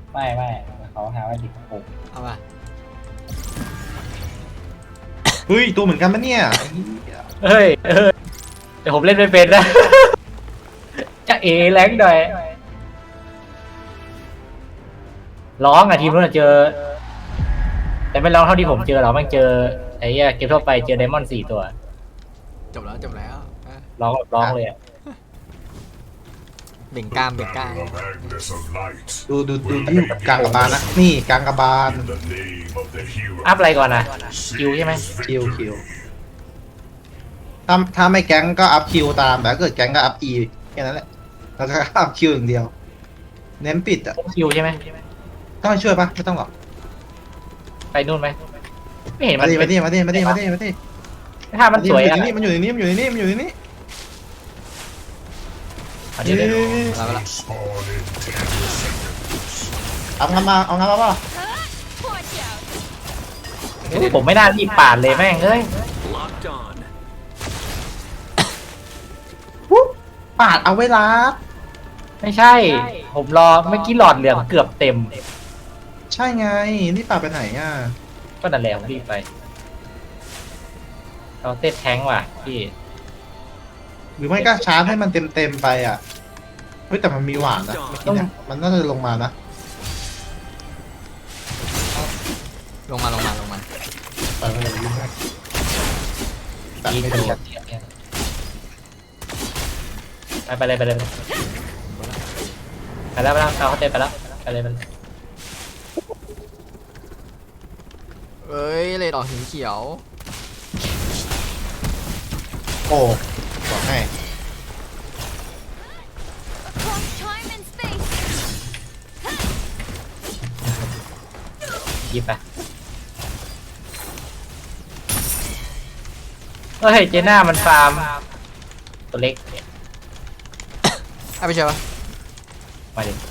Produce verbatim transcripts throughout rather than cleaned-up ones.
ไม่ไม่เขาหาว่าดิบปุกเอามาเฮ้ยตัวเหมือนกันปะเนี่ยเฮ้ยเฮ้ยแต่ผมเล่นไม่เป็นนะจะเอแรงหน่อยร้องอ่ะทีมนู้นเจอแต่ไม่ร้องเท่าที่ผมเจอหรอกมันเจอไอ้เหี้ยเกมทั่วไปเจอไดมอนด์สี่ตัวจบแล้วจบแล้วร้องร้องเลยอ่ะเบ่งกล้ามเบ่งกล้ามดูดูดูที่กลางกระบาลนะนี่กลางกระบาลอัพอะไรก่อนนะคิวใช่ไหมคิวคิวถ้าถ้าไม่แก๊งก็อัพคิวตามแต่ถ้าเกิดแก๊งก็อัพอีแค่นั้นแหละแล้วก็อัพคิวอย่างเดียวเน้นปิดอ่ะคิวใช่ไหมต้องช่วยปะไม่ต้องหรอกไปนู่นไหมไม่เห็นมัมาน ดิมาดิมาดิมาดิมาดิมาดิถ้ามันสวยอ่ะมันอยู่ในนี้มันอยู่ในนี้มันอยู่ในนี้เดี๋ยวเดี๋ยวเอาละเอางานมาเอางานมาป่ะผมไม่น่ารีบปาดเลยแม่งเอ้ยปาดเอาเวลาไม่ใช่ผมรอเมื่อกี้หลอดเหลืองเกือบเต็มใช่ไงนี่ปาดไปไหนอ่ะก็นั่นแหละผมรีบไปเราเต้นแทงว่ะพี่หรือไม่ก็ชาร์จให้มันเต็มเต็มไปอ่ะเฮ้ยแต่มันมีหวานนะมันน่าจะลงมานะลงมาลงมาลงมาไปไปเลยยิ่งตัดไม่โดนไปไปเลยไปเลยไปแล้วไปแล้วเขาเต้นไปแล้วไปเลยไปเลยเอ้ยเลดออกหินเขียวโอ้บอกให้ยิบไปเฮ้ยเจน่ามันฟาร์มตัวเล็กเอาไปเชียวมาดิ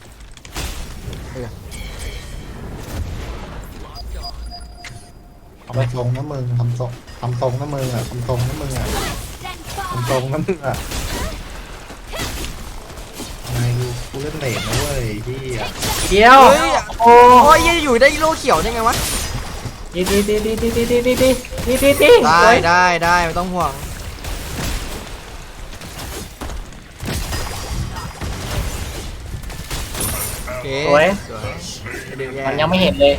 ทำทรงนะมึงทำทรงทำทรงนะมึงอ่ะทำทรงนะมึงอ่ะทำทรงนะมึงอ่ะนายดูกูเล่นเลนนะเว้ยพี่อ่ะเดียวโอ้ยยังอยู่ได้โลเขียวได้ไงวะดีดีดีดีดีดีดีดีดีดีดีดีได้ได้ได้ไม่ต้องห่วงสวยมันยังไม่เห็นเลย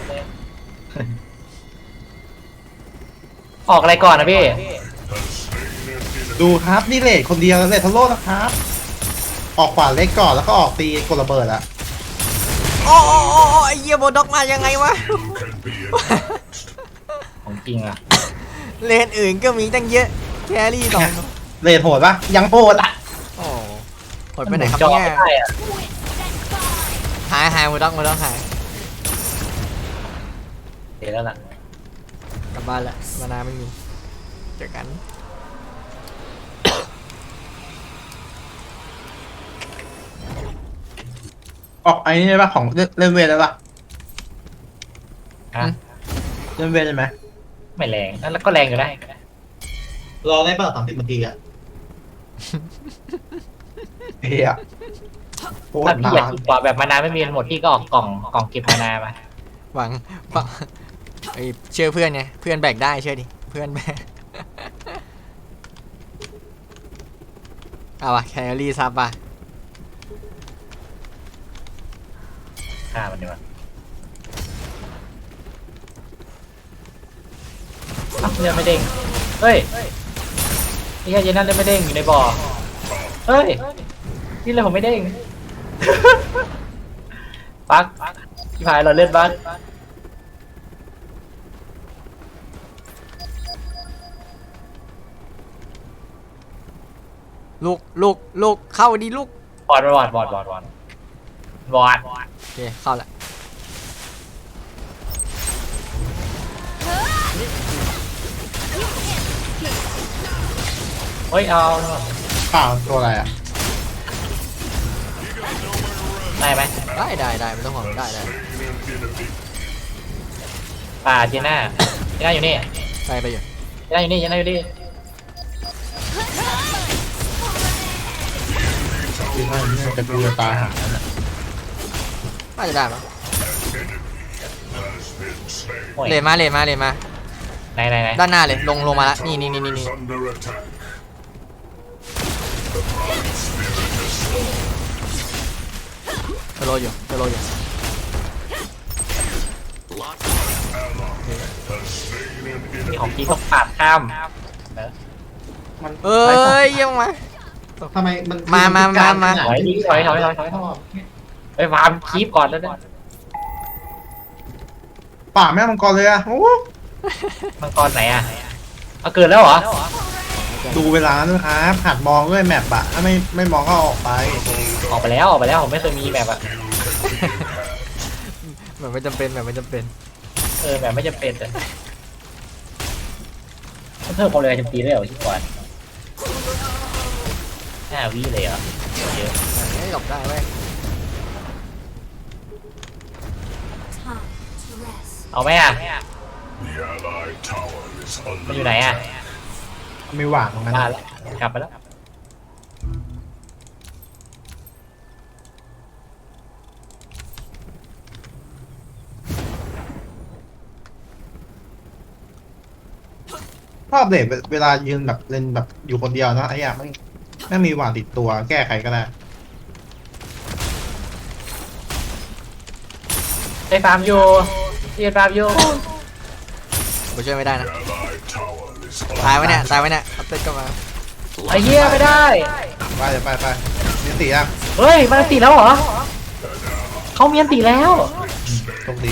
ออกอะไรก่อนนะพี่ดูครับนี่เลทคนเดียวเลททัลโลนะครับออกขวาเล็กก่อนแล้วก็ออกตีกดระเบิดอะโอ้โอ้โอ้ไอ้เหี้ยโบด็อกมายังไงวะของจริงอะเลนอื่นก็มีตั้งเยอะแครี่สองเลทโหดปะยังโหดอะโอ้โหดไปไหนครับเนี่ยหายหายโบด็อกโบด็อกหายเดี๋ยวแล้วล่ะกลับบ้านละมานาไม่มีเจอกันออกไอ้นี่ได้ปะของเล่นเวทได้ปะฮะเล่นเวทได้ไหมไม่แรงนั่นแล้วก็แรงอยู่ได้รอได้ป่ะสามสิบนาทีอะเฮียถ้าพี่อยากกว่าแบบมานาไม่มีหมดพี่ก็ออกกล่องกล่องเก็บมานามาหวังไอเชื่อเพื่อนไงเพื่อนแบกได้เชื่อดิเพื่อนแบกเอาวะแคลรี่ซับป่ะฆ่ามันดีกว่าเลือดไม่เด้งเฮ้ยนี่แค่เจนั่นเลือดไม่เด้งอยู่ในบ่อเฮ้ยนี่เลยผมไม่เด้งปักที่ผายเราเลือดบักลูกลูกลูกเข้าดีลูกบอดบอดบอดบอดบอดบอดโอเคเข้าละเฮ้ยเอาข่าวตัวอะไรอ่ะได้ไหมได้ได้ได้ไม่ต้องห่วงได้ได้ป่าเจน่าเจน่าอยู่นี่ใส่ไปอยู่เจน่าอยู่นี่เจน่าอยู่นี่ที่ว่าเนี่ยจะดูตาหาน่าจะได้มั้งโอ้ยเลนมาเลนมาเลนมาไหนไหนไหนด้านหน้าเลยลงลงมาละนี่นี่นี่นี่นี่เทโลอยู่เทโลอยู่มีของกีต้องปาดข้ามมันเอ้ยเยี่ยมมาทำไมมันมามามามาถอยดิถอยถอยถอยถอยถอยไปฟาร์มคีบก่อนแล้วนะป่าแม่มังกรเลยอะโอ้มังกรไหนอ่ะเอาเกิดแล้วเหรอดูเวลาด้วยครับหัดมองด้วยแมปอะถ้าไม่ไม่มองก็ออกไปออกไปแล้วออกไปแล้วผมไม่เคยมีแบบอ่ะแบบไม่จำเป็นแบบไม่จำเป็นเออแบบไม่จำเป็นแต่เพิ่มความเร็วจำปีได้เหรอที่ก่อนห้าวิเลยเหรอเยอะไม่หลบได้เว้ย Time to rest. เอาไหมอ่ะมันอยู่ไหนอ่ะไม่หวานตรงนั้นมาแล้วกลับไปแล้วชอบเด็กเวลายืนแบบเล่นแบบอยู่คนเดียวนะไอ้อะไม่ไม่มีหวานติดตัวแก้ไขก็ได้ไปฟาร์มอยู่เรียนฟาร์มอยู่กูช่วยไม่ได้นะตายไว้เนี่ยตายไว้เนี่ยเอาเต้นกลับมาไอ้เหี้ยไม่ได้ไปเดี๋ยวไปไปเนียนตีอ่ะเฮ้ยมันตีแล้วเหรอเขาเมียนตีแล้วโชคดี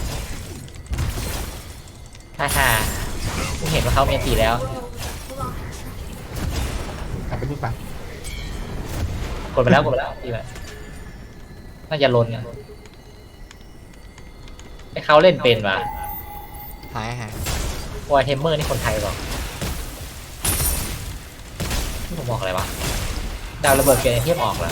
ฮ่าฮ่ากูเห็นว่าเขาเมียนตีแล้วกลับไปนู่นไปกดไปแล้วกดไปแล้วตีไปน่าจะลนเนี่ยไอ้เขาเล่นเป็นว่ะหายหายวอยเทมเมอร์นี่คนไทยเปล่าที่ผมบอกอะไรวะดาวระเบิดเกมเทียบออกแล้ว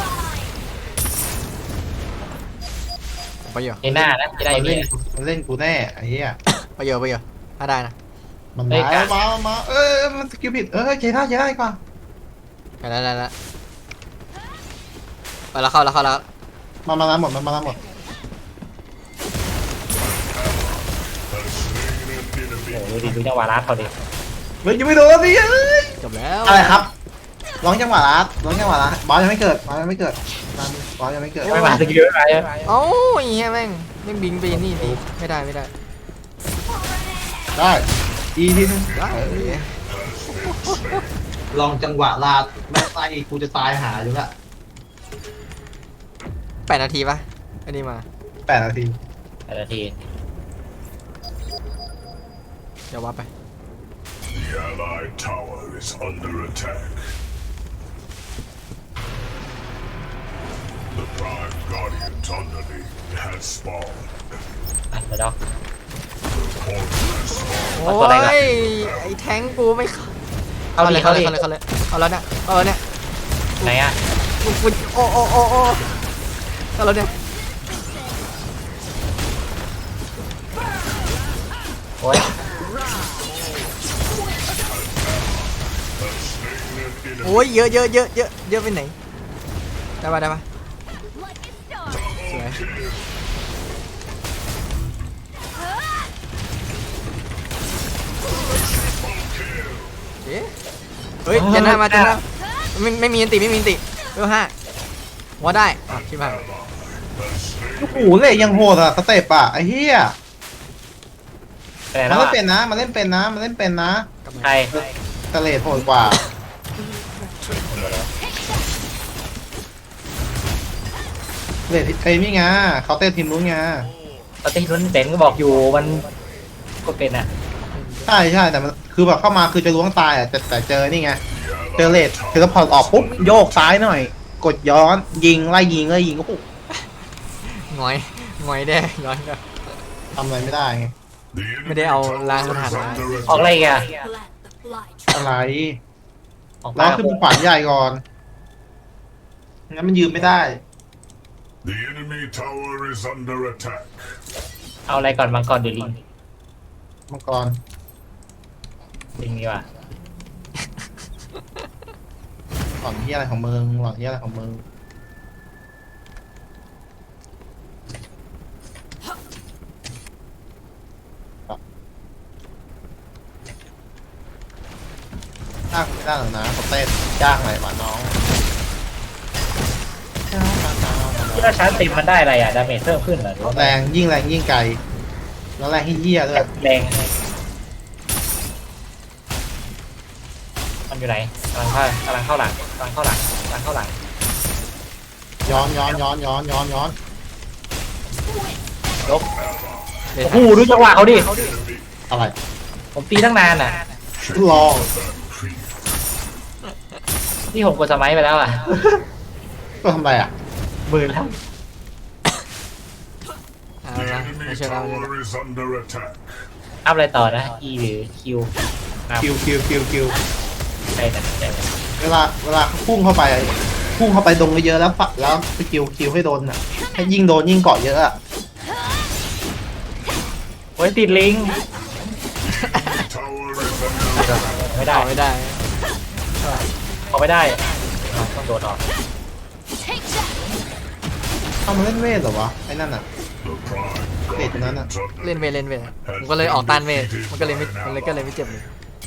ไปอยู่ในหน้านะจะได้มันนี่เล่นมันเล่นกูแน่ไอ้เหี้ยไปอยู่ไปอยู่ถ้าได้นะมันเฮ้ยมากะมามาเอ้ยมันสกิลผิดเอ้ยเจได้เจได้ก่อนไปแล้วแล้วแล้วไปแล้วเข้าแล้วเข้าแล้วมามาแล้วหมดมันมาแล้วหมดโอ้โหดูดิดูจังหวะรัดเขาดิเฮ้ยยังไม่โดนดิเอ้ยจบแล้วอะไรครับร้องจังหวะรัดร้องจังหวะรัดบอสยังไม่เกิดบอสยังไม่เกิดบอสยังไม่เกิดไม่มาสกิลไม่มาใช่ไหมเอ้าไอ้เหี้ยแม่งแม่งบิงไปนี่ดิไม่ได้ไม่ได้ได้อีทีนึงได้ลองจังหวะลาดแม่ไส้กูจะตายหาอยู่ละแปดนาทีปะอันนี้มาแปดนาทีแต่ละทีเดี๋ยววับไป The Allied tower is under attack. The Prime Guardians underneath has spawned. อ่ะเดี๋ยวดอกโอ้เอาตัวอะไรก่อนยไอ้แทงกูไม่เข้าเข้าเลดิยเข้าเข้าเลดิยเข้าเลยเข้าเลยเอาแล้วเนี่ยเอาแล้วเนี่ยไหนอ่ะกูกูโอ้โอ้โอ้โอ้เข้าแล้วเนี่ยโอ้ยโอ้ยเยอะเยอะเยอะเยอะเยอะไปไหนได้ปะได้ปะสวยเอ๊ะเฮ้ยเจนหน้ามาเจนหน้าไม่ไม่มีอันติไม่มีอันติเบลห้าว่าได้อ่ะคิดว่าโอ้โหเลยยังโหดอ่ะสเต็ปอ่ะไอ้เหี้ยไปไหนมัแล้นวเล่นอ่ะเป็นนะมันเล่นเป็นนะมันเล่นเป็นนะใครสเลดโหดกว่าเลดไอ้นี่ไงเขาเต้นทีมนู้นไงตอนที่ลุ้นเต็นก็บอกอยู่มันก็เป็นอ่ะใช่ใช่แต่มันคือแบบเข้ามาคือจะล้วงตายอ่ะแต่แต่เจอนี่ไงเจอเลดเทเลพอร์ตออกปุ๊บโยกซ้ายหน่อย กดย้อนยิงไล่ยิงไล่ยิงก็ปุ๊บหงอยหงอยแด้ย้อนกลับทำอะไรไม่ได้ไง The Mà enemy đi ầu tower lan is con hàng này. under ออกอะไร attack. อีกอ่ะ Plant the fly trap. อะไรออกแล้มาวขึ้นขวานใหญ่ก่อนงั้นมันยืมไม่ได้ The enemy tower is under attack. เอาอะไรก่อนมังกรหรือลิงมังกรลิงดีกว่าหล่อนที่อะไรของมึงหล่อนที่อะไรของมึงจ้างไม่ได้หรอกนะเขาเต้นจ้างอะไรวะน้องจ้างมาจ้างมาที่ว่าชาร์จติมมันได้อะไรอ่ะดาเมจเพิ่มขึ้นเหรอหรือว่าแรงยิ่งแรงยิ่งไกลแล้วแรงที่เหี้ยด้วยแรงมันอยู่ไหนกำลังเข้ากำลังเข้าหลังกำลังเข้าหลังกำลังเข้าหลังย้อนย้อนย้อนย้อนย้อนย้อนยกเดี๋ยวโอ้โหดูจังหวะเขาดิอะไรผมตีตั้งนานอ่ะลองนี่ผมกดสมัยไปแล้วอ่ะก็ทำไรอ่ะหมื่นแล้วเอา The ละ enemy ไม่เชื่อเราเลย tower is under attack. อัพอะไรต่อนะ E หรือ Q อัพคิวคิวคิวคิวใช่แต่ใช่เวลาเวลาเขาพุ่งเข้าไปพุ่งเข้าไปตรงเยอะๆแล้วปะแล้วสกิลคิวให้โดนอ่ะให้ยิ่งโดนยิ่งเกาะเยอะอ่ะโอ้ยติดลิง Tower is under ไม่ได้ต่อไม่ได้เอาไม่ได้ต้องโดดออก Take that. เอามาเล่นเวทเหรอวะไอ้นั่นอ่ะ the prime เวทตรงนั้นอ่ะ guardians of เล่นเวทเล่นเวทผมก็เลยออกต้านเวทมันก็เลยไม่มันเลยก็เลยไม่เจ็บเลย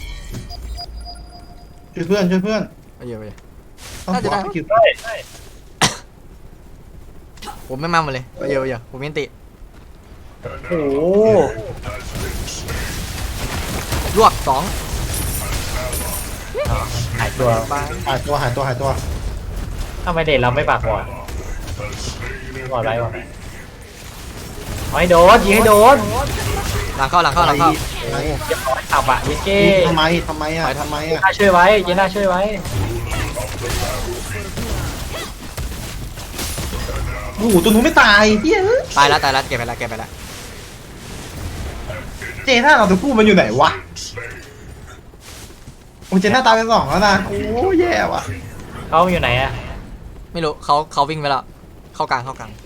ช่วยเพื่อนช่วยเพื่อนไปเยอะไปเยอะต้องน่าจะได้บล็อกคิวผมไม่มาหมดเลยไปเยอะไปเยอะผมยันติโอ้โหลวกสองหายตัวบายหายตัวหายตัวหายตัวทำไมเด็ดเราไม่ปากบอด has slain บอด an ไรวะ enemy. เอาให้โดนยิงให้โดนหลังเข้าหลังเข้าหลังเข้าไอ้อย่าปล่อยตับอ่ะเยเก้ทำไมทำไมอ่ะทำไมเจอ่ะน่าช่วยไว้เจน่าช่วยไว้โอ้โหตัวหนูไม่ตายเฮ้ยตายแล้วตายแล้วเก็บไปแล้วเก็บไปแล้วเจน่าเราตัวผู้มันอยู่ไหนวะ Slain. โอ้เจน่าตายไปสองแล้วนะโอ้แย่ว่ะเขาอยู่ไหนอ่ะไม่รู้เขาเขาวิ่งไปแล้วเข้ากลางเข้ากลาง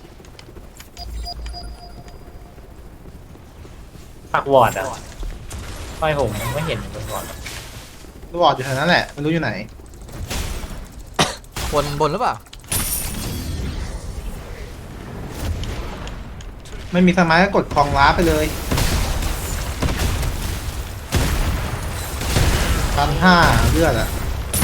ปากวอดอ่ะไม่ผมไม่เห็นปากวอดตัวบอดอยู่แถวนั้นแหละไม่รู้อยู่ไหนบนบนหรือเปล่าไม่มีสมัยก็กดคลองล้าไปเลยพันห้าเลือดอ่ะ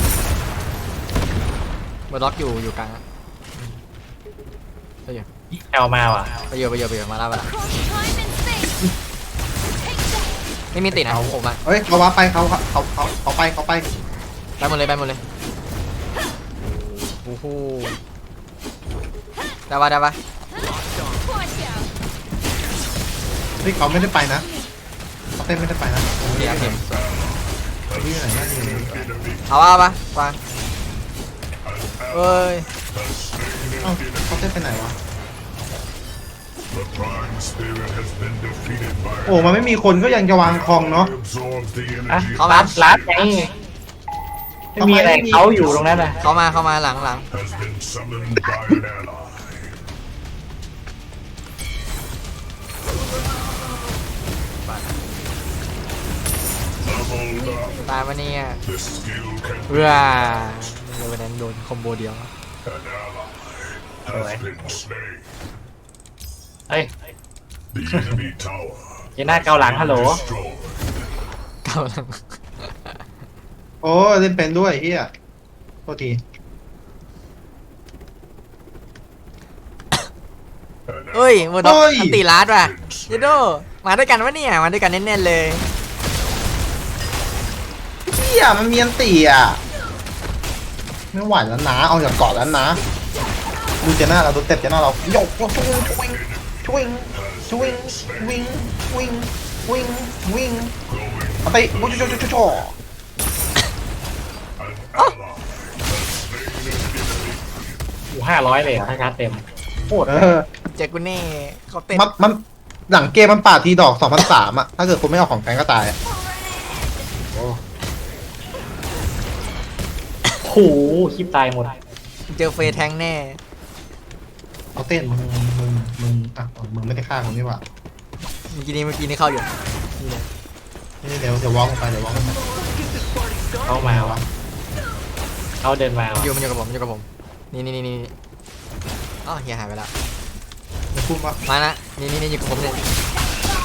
บนล็อกอยู่อยู่กลางอะไปเยอะแอลมาว่ะไปเยอะไปเยอะไปเยอะมาแล้วมาแล้ว Across time and space. Take that. ไม่มีติดนะผมอะเฮ้ยเขาว่าไปเขาเขาเขาเขาไปเขาไปไปหมดเลยไปหมดเลยโอ้โหได้ปะได้ปะ Watch out. เฮ้ยเขาไม่ได้ไปนะเขาเต้นไม่ได้ไปนะเดี๋ยวเห็นเขาอยู่ไหนนั่นอยู่ไหนเอาปะเอาปะวางเอ้ยเอ้าเขาเต้นไปไหนวะ The prime spirit has been defeated by โอ้มันไม่มีคนก็ยังจะวางคลองเนาะ absorbs the อ่ะ energy เขามาลัดลัดไงไม่มีอะไรเขาอยู่ตรงนั้นน่ะเข้ามาเข้ามาหลังหลัง has been summoned by an ally. Leveled up. ตายมาเนี่ย This skill can เพื่อในวันนั้นโดนคอมโบเดียว an ally has been slain. เฮ้ย The enemy tower เจน่าเกาหลังฮัลโหล destroyed. เก้าหลังโอ้เล่นเป็นด้วยเฮียโทษทีเอ้ยโมดอกอันตีลาดว่ะเยโดมาด้วยกันวะเนี่ยมาด้วยกันแน่ๆเลยเฮียมันมีอันตีอ่ะไม่ไหวแล้วนะเอาจากเกาะแล้วนะดูเจน่าเราตัวเต็บเจน่าเราโยกโยกช่วยช่วยช่วยวิ่งวิ่งวิ่งวิ่งเอาไปโอ้ยโยกโยกโยกโยกอยู่ห้าร้อยเลยถ้าชาร์จเต็มโคตรเออเจอกูแน่เขาเต้นมันมันหลังเกมมันปาดทีดอกสองพันสามอ่ะถ้าเกิดคุณไม่เอาของแกงก็ตายอ่ะโอ้โหคลิปตายหมดเจอเฟย์แทงแน่เอาเต้นมึงมึงมึงอ่ะมึงไม่ได้ฆ่าผมนี่หว่าเมื่อกี้นี้เมื่อกี้นี้เข้าอยู่นี่เลยนี่เดี๋ยวเดี๋ยววอล์กลงไปเดี๋ยววอล์กลงไปเขามาวะเขาเดินมาอวะยู่มันอยู่กับผมมันอยู่กับผมนี่นี่นี่นี่อ๋อเฮียหายไปแล้วจะพูดว่ามานะนี่นี่นี่อยู่กับผมเนี่ย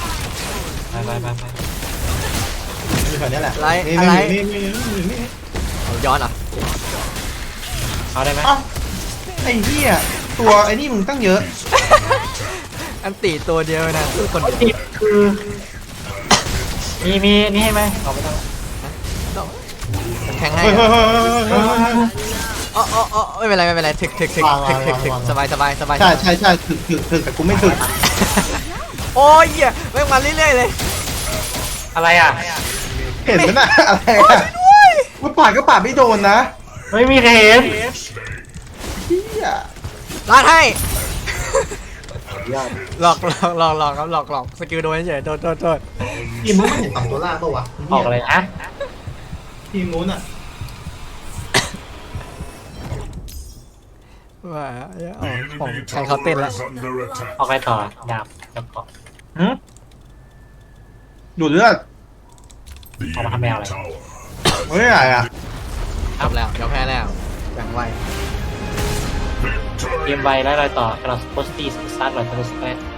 ไปไปไปไปอยู่แถวนี้แหละอะไรนี่อะไรนี่นี่นี่นี่ย้อนเหรอเอาได้ไหมเอ้าไอ้เหี้ยตัวไอ้นี่มึงตั้งเยอะอันตีตัวเดียวนะสู้คนเดียวติดคือมีมีนี่ให้ไหมเอาไม่ต้องแข็งให้เฮ้ยเฮ้ยเฮ้ยเฮ้ยเฮ้ยเฮ้ยอ๋ออ๋ออ๋อไม่เป็นไรไม่เป็นไรถึกถึกถึกวางถึวาก งถึกวางถึกวางสบายสบายสบายใช่ใช่ใช่ถึกถึกถึกแต่กูไม่ถึกโอ้ยเหี้ยแม่งมาเรื่อยๆเลยอะไรอ่ะเห็นไหมน่ะอะไรอ่ะกูปาดก็ปาดไม่โดนนะไม่มีใครเห็นเหี้ยลาดให้หลอกหลอกหลอกหลอกครับหลอกหลอกสกิลโดนเฉยโดนโดนโดนทีมนู้นมันเห็นต่ำตัวล่างปะวะออกอะไรนะทีมนู้นอ่ะว่าเอา The ของ enemy ใครเขาเต้น tower แล้ว is under attack. ออกไปต่อดาบแล้วก็หืมดูดเลือด The Oh, enemy Hamel. tower. เฮ้ยอะไรอ่ะจบแล้วเดี๋ยวแพ้แล้วแบ่งไว้เกมไวแล้วรอยต่อเราสปอสตี้สตาร์ทรอยต่อสเปซ